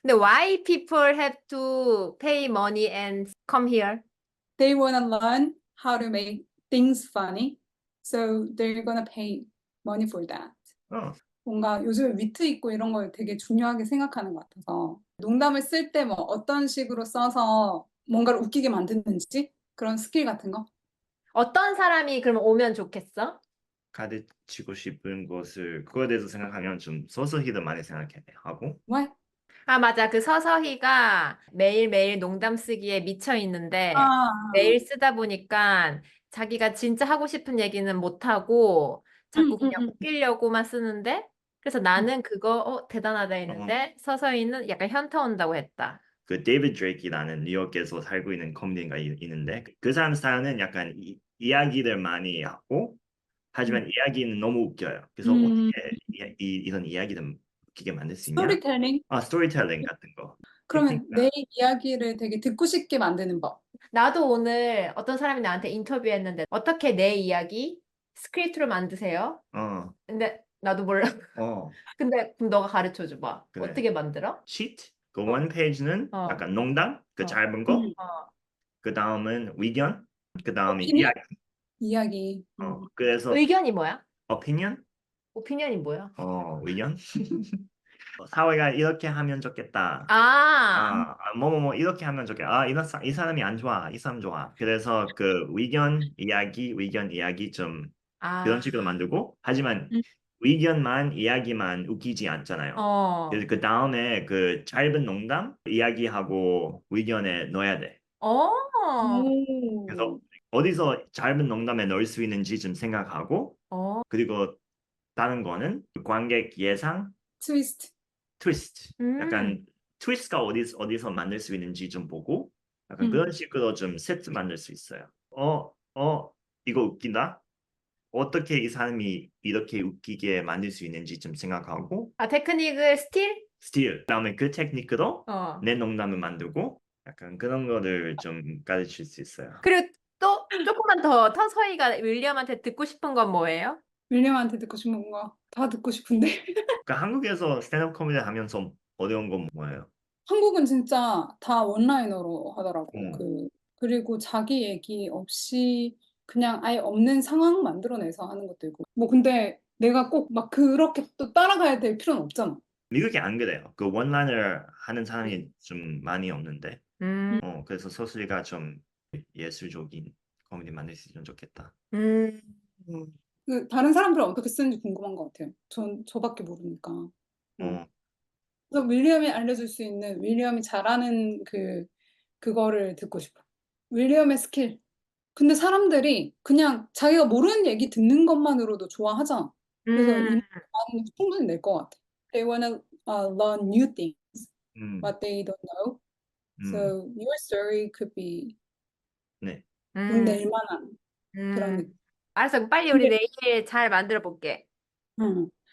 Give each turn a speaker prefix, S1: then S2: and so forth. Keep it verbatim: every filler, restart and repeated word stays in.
S1: 근데 why people have to pay money and come here?
S2: They want to learn how to make things funny, so they're gonna pay money for that.
S3: 어.
S2: 뭔가 요즘에 위트 있고 이런 걸 되게 중요하게 생각하는 것 같아서 농담을 쓸 때 뭐 어떤 식으로 써서 뭔가를 웃기게 만드는지 그런 스킬 같은 거?
S1: 어떤 사람이 그럼 오면 좋겠어?
S3: 가르치고 싶은 것을 그거에 대해서 생각하면 좀 서서히도 많이 생각해야 하고
S2: What?
S1: 아, 맞아. 그 서서히가 매일매일 농담 쓰기에 미쳐 있는데
S2: 아,
S1: 매일 쓰다 보니까 자기가 진짜 하고 싶은 얘기는 못하고 자꾸
S2: 음,
S1: 그냥
S2: 음, 음.
S1: 웃기려고만 쓰는데 그래서 나는 그거 어, 대단하다 했는데 서서히는 약간 현타 온다고 했다.
S3: 그 데이비드 드레이크라는 뉴욕에서 살고 있는 코미디언가 이- 있는데 그 사람 사연은 약간 이, 이야기를 많이 하고 하지만 이야기는 너무 웃겨요. 그래서
S2: 음,
S3: 어떻게 이, 이, 이런 이야기를 웃기게 만들 수 있냐?
S2: 스토리텔링?
S3: 아, 스토리텔링 같은 거.
S2: 그러면
S3: 테크닉이다.
S2: 내 이야기를 되게 듣고 싶게 만드는 법.
S1: 나도 오늘 어떤 사람이 나한테 인터뷰했는데 어떻게 내 이야기 스크립트로 만드세요?
S3: 어,
S1: 근데 나도 몰라.
S3: 어,
S1: 근데 그럼 너가 가르쳐 줘봐.
S3: 그래.
S1: 어떻게 만들어?
S3: 시트? 그 원 페이지는
S1: 어.
S3: 약간 농담, 그
S1: 어.
S3: 짧은 거.
S2: 음.
S1: 어.
S3: 그 다음은 의견, 그 다음에
S2: 오피니언?
S3: 이야기.
S2: 이야기.
S3: 어,
S2: 음.
S3: 그래서
S1: 의견이 뭐야?
S3: opinion?
S1: 오피니언이 뭐야?
S3: 어, 의견? 어, 사회가 이렇게 하면 좋겠다.
S1: 아,
S3: 아, 뭐뭐뭐 이렇게 하면 좋겠다. 아, 이런 사, 이 사람이 안 좋아. 이 사람 좋아. 그래서 그 의견, 이야기, 의견, 이야기 좀 그런
S1: 아,
S3: 식으로 만들고 하지만
S2: 음.
S3: 의견만, 이야기만 웃기지 않잖아요.
S1: 어,
S3: 그래서 그 다음에 그 짧은 농담, 이야기하고 의견에 넣어야 돼.
S1: 어,
S3: 그래서
S2: 오.
S3: 어디서 짧은 농담에 넣을 수 있는지 좀 생각하고
S1: 어,
S3: 그리고 다른 거는 관객 예상,
S2: 트위스트.
S3: 트위스트.
S1: 음,
S3: 약간 트위스트가 어디, 어디서 만들 수 있는지 좀 보고 약간
S2: 음.
S3: 그런 식으로 좀 세트 만들 수 있어요. 어, 어, 이거 웃긴다? 어떻게 이 사람이 이렇게 웃기게 만들 수 있는지 좀 생각하고
S1: 아, 테크닉을 스틸?
S3: 스틸 그다음에 그 테크닉으로
S1: 어.
S3: 내 농담을 만들고 약간 그런 거를 좀 가르칠 수 있어요.
S1: 그리고 또 조금만 더 서서히가 윌리엄한테 듣고 싶은 건 뭐예요?
S2: 윌리엄한테 듣고 싶은 거 다 듣고 싶은데.
S3: 그러니까 한국에서 스탠드업 코미디 하면서 어려운 건 뭐예요?
S2: 한국은 진짜 다 원라이너로 하더라고.
S3: 음.
S2: 그, 그리고 자기 얘기 없이 그냥 아예 없는 상황 만들어내서 하는 것도 있고. 뭐 근데 내가 꼭 막 그렇게 또 따라가야 될 필요는 없잖아.
S3: 미국이 안 그래요. 그 원라인을 하는 사람이 좀 많이 없는데,
S1: 음,
S3: 어 그래서 소슬이가 좀 예술적인 코미디 만들 수 있으면 좋겠다.
S1: 음,
S2: 그 다른 사람들은 어떻게 쓰는지 궁금한 것 같아요. 전 저밖에 모르니까. 어.
S3: 어,
S2: 그래서 윌리엄이 알려줄 수 있는 윌리엄이 잘하는 그 그거를 듣고 싶어. 윌리엄의 스킬. 근데 사람들이 그냥 자기가 모르는 얘기 듣는 것만으로도 좋아하잖아. 그래서 이
S1: 음,
S2: 마음은 충분히 낼 것 같아. They wanna uh, learn new things,
S3: 음,
S2: what they don't know.
S3: 음,
S2: So your story could be
S3: 네,
S2: 돈
S1: 음,
S2: 낼 만한 그런
S1: 음.
S2: 느낌.
S1: 알았어. 빨리 우리
S2: 근데
S1: 내일 잘 만들어 볼게.
S2: 음,